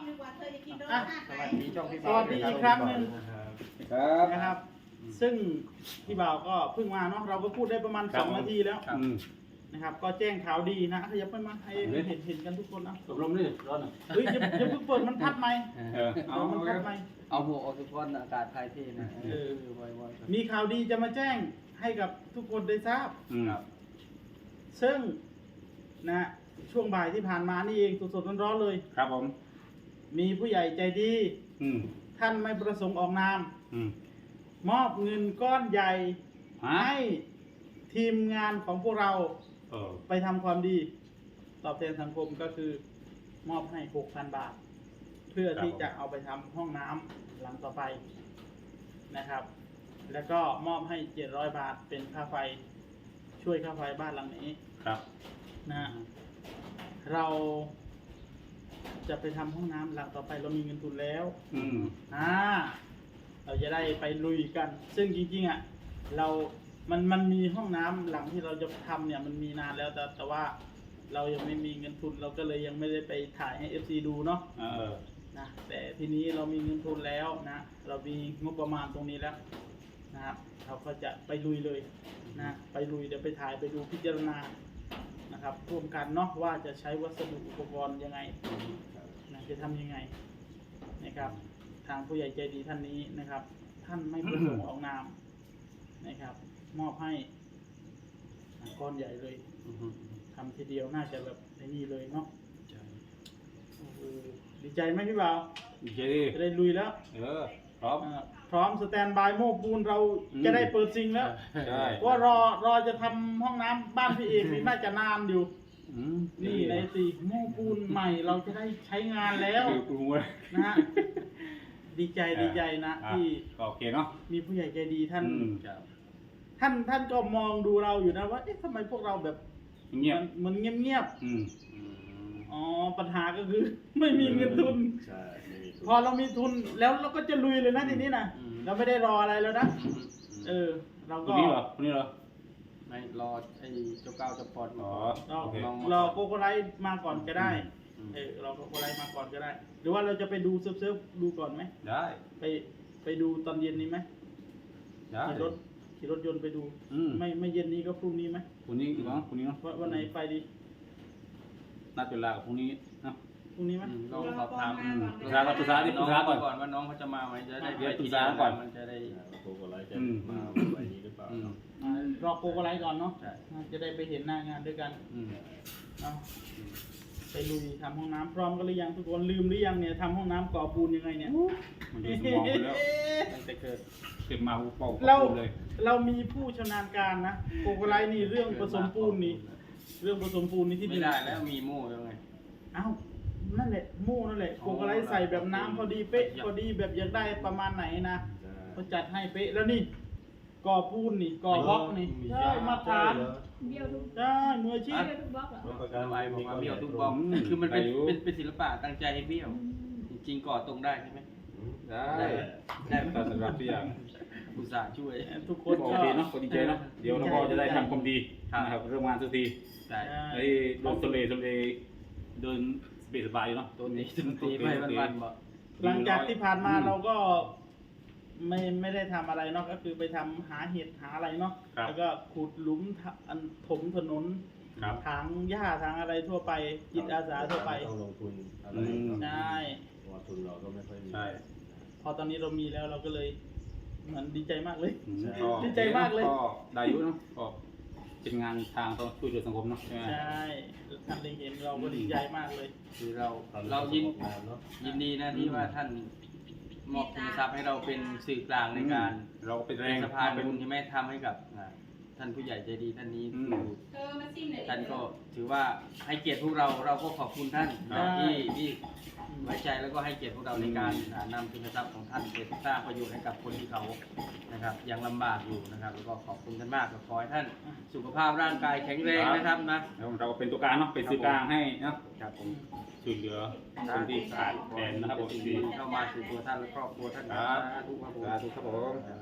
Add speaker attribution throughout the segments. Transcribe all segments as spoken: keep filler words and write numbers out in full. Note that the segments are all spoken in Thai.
Speaker 1: ดีกว่าเธอจะกินโดน
Speaker 2: อ่ะ
Speaker 1: หน้า
Speaker 3: ส
Speaker 1: ไหน
Speaker 3: วัสดีช่องพี่
Speaker 2: สวัสดีอีกครั้งหนึ่ง
Speaker 4: ครับ
Speaker 2: นะครับ ซึ่งพี่บ่าวก็เพิ่งมาเนาะเราก็พูดได้ประมาณสองนาทีแล้ว
Speaker 4: อืม
Speaker 2: นะครับ ก็แจ้งข่าวดีนะขยับไปมาให้เห็นเห็นกันทุกคนนะ
Speaker 4: ตกลงนี่ร้อนอ่ะ
Speaker 2: เฮ้ยอย่าอย่าเพิ่งเปิดมันพัดไหม
Speaker 4: เออเอา
Speaker 2: เอามันพัดไหม
Speaker 3: เอาหัวออกทุกคนอากาศไทยที่นะ
Speaker 2: เออ
Speaker 3: บ่อยๆ
Speaker 2: มีข่าวดีจะมาแจ้งให้กับทุกคนได้ทราบ
Speaker 4: อืม
Speaker 2: ซึ่งนะช่วงบ่ายที่ผ่านมานี่เองสดๆร้อนๆเลย
Speaker 4: ครับผม
Speaker 2: มีผู้ใหญ่ใจดี
Speaker 4: อืม
Speaker 2: ท่านไม่ประสงค์ออกนาม
Speaker 4: อืม
Speaker 2: มอบเงินก้อนใหญ่
Speaker 4: ฮะ
Speaker 2: ให้ทีมงานของพวกเรา
Speaker 4: เออ
Speaker 2: ไปทำความดี ตอบแทนสังคมก็คือมอบให้ หกพัน บาท เพื่อที่จะเอาไปทำห้องน้ำหลังต่อไปนะครับ แล้วก็มอบให้ เจ็ดร้อย บาทเป็นค่าไฟช่วยค่าไฟบ้านหลังนี้
Speaker 4: ครับ
Speaker 2: นะฮะเราจะไปทำห้องน้ำหลังต่อไปเรามีเงินทุนแล้ว
Speaker 4: อืม
Speaker 2: อ่าเราจะได้ไปลุยกัน ซึ่งจริงๆอ่ะเรา มันมันมีห้องน้ำหลังที่เราจะทำเนี่ยมันมีนานแล้วแต่แต่ว่าเรายังไม่มีเงินทุนเราก็เลยยังไม่ได้ไปถ่ายให้ เอฟ ซี ดูเนาะ
Speaker 4: เออ
Speaker 2: นะแต่ทีนี้เรามีเงินทุนแล้วนะเรามีงบประมาณตรงนี้แล้วนะครับเราก็จะไปลุยเลยนะไปลุยเดี๋ยวไปถ่ายไปดูพิจารณานะครับร่วมกันเนาะว่าจะใช้วัสดุอุปกรณ์ยังไงนะจะทำยังไงนะครับทางผู้ใหญ่ใจดีท่านนี้นะครับ ท่านไม่ประสงค์ออกนามนะครับ มอบให้ก้อนใหญ่เลยทำทีเดียวน่าจะแบบในนี่เลยเนาะโอ้โหดีใจไหมพี่บ่าว
Speaker 4: ดีเจดี
Speaker 2: จะได้ลุยแล้ว
Speaker 4: เออพร้อม
Speaker 2: อ่าพร้อมสแตนบายโม้ปูนเรา
Speaker 4: อืม
Speaker 2: จะได้เปิดซิงแล้ว
Speaker 4: ใช่
Speaker 2: ว่ารอรอจะทำห้องน้ำบ้านพี่เอกนี่น่าจะนานอยู่
Speaker 4: อืม
Speaker 2: นี่ในสี่โม้ปูนใหม่เราจะได้ใช้งานแล้ว
Speaker 4: คือปรุงไว้
Speaker 2: นะฮะดีใจดีใจนะ
Speaker 4: อ่
Speaker 2: ที่
Speaker 4: ก็โอเคเนาะ
Speaker 2: มีผู้ใหญ่ใจดีท่าน
Speaker 4: อืม
Speaker 2: ท่านท่านก็มองดูเราอยู่นะว่าเอ๊ะทำไมพวกเราแบบ
Speaker 4: เงียบ
Speaker 2: มันเงียบเงียบ
Speaker 4: อืม
Speaker 2: ๆอ๋อปัญหาก็คือ ไม่มีเงินทุน
Speaker 5: ใช่ไม่มีทุน
Speaker 2: พอเรามีทุนแล้วเราก็จะลุยเลยนะทีนี้นะ
Speaker 3: อืม
Speaker 2: เราไม่ได้รออะไรแล้วนะเออ เรา
Speaker 4: คน
Speaker 2: ก็
Speaker 4: นี้เหรอคนนี้เหรอ
Speaker 3: ไม่รอไอ้เจ้าเก้าเจ้าปอด
Speaker 4: อ๋อ
Speaker 2: เรา
Speaker 4: โอเค
Speaker 2: รอโกโกไลท์มาก่อนก็ได้
Speaker 3: อืม
Speaker 2: เออเราโกโกไลท์มาก่อนก็ได้ หรือว่าเราจะไปดูเซิร์ฟเซิร์ฟดูก่อนไหม
Speaker 4: ได้
Speaker 2: ไปไปดูตอนเย็นนี้ไหม
Speaker 4: ได้
Speaker 2: ขี่รถขี่รถยนต์ไปดู
Speaker 4: อืม
Speaker 2: ไม่ไม่เย็นนี้ก็พรุ่งนี้ไหม
Speaker 4: คนนี้อีกเนาะคนนี้เนาะ
Speaker 2: ว่าวันไหนไปดี
Speaker 4: นัดเวลากับพรุ่งนี้เนาะ
Speaker 2: พรุ่งนี้ไหม
Speaker 3: อืมลองสอบถาม
Speaker 4: อืมปรึกษาก่อนปรึกษาดิปรึกษาก่อน
Speaker 3: ว่าน้องเขาจะมาไหมจะได้
Speaker 4: เดี๋ยวปรึกษาก่อน
Speaker 3: มันจะได้
Speaker 5: โกโกไลท์จะ
Speaker 4: อืม
Speaker 5: มาใบนี้หรือเปล่า
Speaker 4: อืม
Speaker 2: อ่ารอโกโกไลท์ก่อนเนาะ
Speaker 3: ใช่
Speaker 2: จะได้ไปเห็นหน้างานด้วยกัน
Speaker 4: อืม
Speaker 2: เอาไปลุยทำห้องน้ำพร้อมกันหรือยังทุกคนลืมหรือยังเนี่ยทำห้องน้ำก่อปูนยังไงเนี่ย
Speaker 4: มันอยู่สมองไปแล้ว
Speaker 3: ตั้งแต่เกิด
Speaker 4: เก็บมาหูเป่า
Speaker 2: เรา
Speaker 4: พูดเลย
Speaker 2: เรามีผู้ชำนาญการนะโกโกไลท์นี่เรื่องผสมปูนนี่เรื่องผสมปูนนี่ที่
Speaker 3: ไม่ได้แล้วมีโม่ยังไง
Speaker 2: เอ้านั่นแหละโม่นั่นแหละโกโกไลท์ใส่แบบน้ำพอดีเป๊ะพอดีแบบอยากได้ประมาณไหนนะเขาจัดให้เป๊ะแล้วนี่ก่อปูนนี่ก่อบล็อกนี่ใช่มาตรฐาน
Speaker 1: เบี้ยวทุก
Speaker 2: ใช่มืออาชีพ
Speaker 1: เบี้ยวทุกบล็อกเหรอ
Speaker 5: ประ
Speaker 3: การไว้บอกว่าเบี้ยวทุกบ
Speaker 5: ล็
Speaker 3: ล็อกคือมันเป็นเป็นเป็นศิลปะตั้งใจให้เบี้ยว จริงๆก่อตรงได้ใช่ไหม
Speaker 4: ได้
Speaker 3: ได้
Speaker 4: แต่สำหรับทุกอย่าง
Speaker 3: อุตส่าห์ช่วย
Speaker 2: ทุกค
Speaker 4: โอน
Speaker 2: ก็
Speaker 4: เคเนาะก็ดีใจเนาะเดี๋ยวเราก็จะได้ทำความดี
Speaker 3: ครับ
Speaker 4: นะครับเรื่องงานสักที
Speaker 3: ได้
Speaker 4: ไอ้โดนสเลสเลเดินสบายสบายเนาะ
Speaker 3: ตัวนี้ตัวนี้ไม่วันๆบอก
Speaker 2: หลังจากที่ผ่านมาเราก็ไม่ไม่ได้ทำอะไรเนาะก็คือไปทำหาเห็ดหาอะไรเนาะแล้วก็ขุดหลุมทะอันถมถนน
Speaker 4: ครับ
Speaker 2: ถางหญ้าทางอะไรทั่วไปจิตอาสาทั่วไป
Speaker 5: ต้องลงทุนอะไร
Speaker 4: อืม
Speaker 2: ใช่
Speaker 5: เพราะว่าทุนเราก็ไม่ค่อยมี
Speaker 4: ใช่
Speaker 2: พอตอนนี้เรามีแล้วเราก็เลยเหมือนดีใจมากเลย
Speaker 4: อืม
Speaker 2: ดีใจมากเลย
Speaker 4: ก็ได้อยุเนาะก็เป็นงานทางต้องช่วยเหลือสังคมเนาะใช่ไหม
Speaker 2: ใช่ท่านได้เห็นเราก็ดีใจมากเลย
Speaker 3: คือเรา
Speaker 5: ตอนนี้
Speaker 3: เรายิน
Speaker 5: ประสบการณ์เนาะ
Speaker 3: ยินดีนะที่ว่าท่านมอบทุนทรัพย์ให้เราเป็นสื่อกลางในการ
Speaker 4: เราก็เป็นแร
Speaker 3: เป็น
Speaker 4: ง
Speaker 3: สะพานบุญที่แม่ทำให้กับอ่าท่านผู้ใหญ่ใจดีท่านนี้
Speaker 4: อืม
Speaker 1: เธอมาซิมหน่อยดิ
Speaker 3: ท่านก็ถือว่าให้เกียรติพวกเราเราก็ขอบคุณท่าน
Speaker 2: ครับ
Speaker 3: ที่ที่ไว้ใจแล้วก็ให้เกียรติพวกเราในการอ่านำทุนทรัพย์ของท่านไปสร้างประโยชน์ให้กับคนที่เขานะครับยังลำบากอยู่นะครับแล้วก็ขอบคุณท่านมากขอให้ท่านสุขภาพร่างกายแข็งแรงนะครับนะ
Speaker 4: แล้วเราเป็นตัวกลางเนาะเป็นสื่อกลางให้เนาะ
Speaker 3: ครับผม
Speaker 4: ช่วยเหลือคนที่ขาดแคลนนะครับผมดี
Speaker 3: เข้ามาสู่ตัวท่านและครอบครัวท่าน
Speaker 4: ครับ
Speaker 3: สาธุครับผม
Speaker 4: สาธุครับผม
Speaker 3: อ่า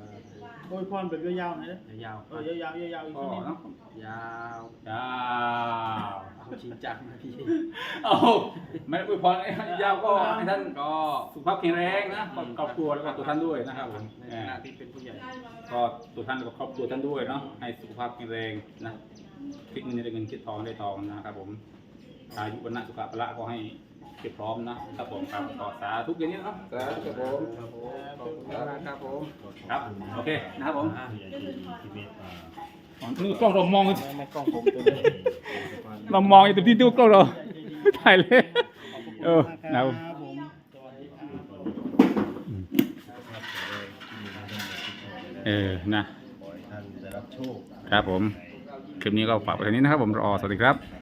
Speaker 2: โอ้ยพรแบบยาวๆหน่อยนะ
Speaker 3: ยาว
Speaker 2: เออยาวๆยาวๆอีก
Speaker 4: ก็
Speaker 2: ทีนึง
Speaker 4: เนาะ
Speaker 3: ยาว
Speaker 4: ยาว
Speaker 3: เอาจริงจังนะพี่
Speaker 4: เอาไม่ได้อวยพรให้ยาวก็ให้ท่าน
Speaker 3: ก็
Speaker 4: สุขภาพแข็งแรงนะครอบครัวแล้วก็ตัวท่านด้วยนะครับผม
Speaker 3: ใน
Speaker 4: เอ
Speaker 3: ฐา
Speaker 4: อ
Speaker 3: นะที่เป็นผู้ใหญ่
Speaker 4: ก็ตัวท่านแล้วก็ครอบครัวท่านด้วยเนาะให้สุขภาพแข็งแรงนะคิดเงินได้เงินคิดทองได้ทองนะครับผมอายุวันนะสุขภาพก็ให้เก็บพร้อมนะครับผมครับขอสาธุอย่างนี้เนาะสาธุครับผม
Speaker 3: ขอบคุณมากครับผม
Speaker 4: ครับโอเคนะครับผม
Speaker 3: อ่ะ
Speaker 5: ผู้ใหญ่ที่ที่เมตตา
Speaker 4: นี่กล้องเรามอง
Speaker 2: ไม่ไม่กล้องผมตัวนี้
Speaker 4: เรามองอยู่ตรงที่ตู้กล้องเราถ่ายเลยเออนะครับผม
Speaker 2: ผมสวัสดีครับ
Speaker 4: เออนะ
Speaker 5: ขอให้ท่านได้รับโชค
Speaker 4: ครับผม คลิปนี้ก็ฝากไปเท่านี้นะครับผมรอสวัสดีครับ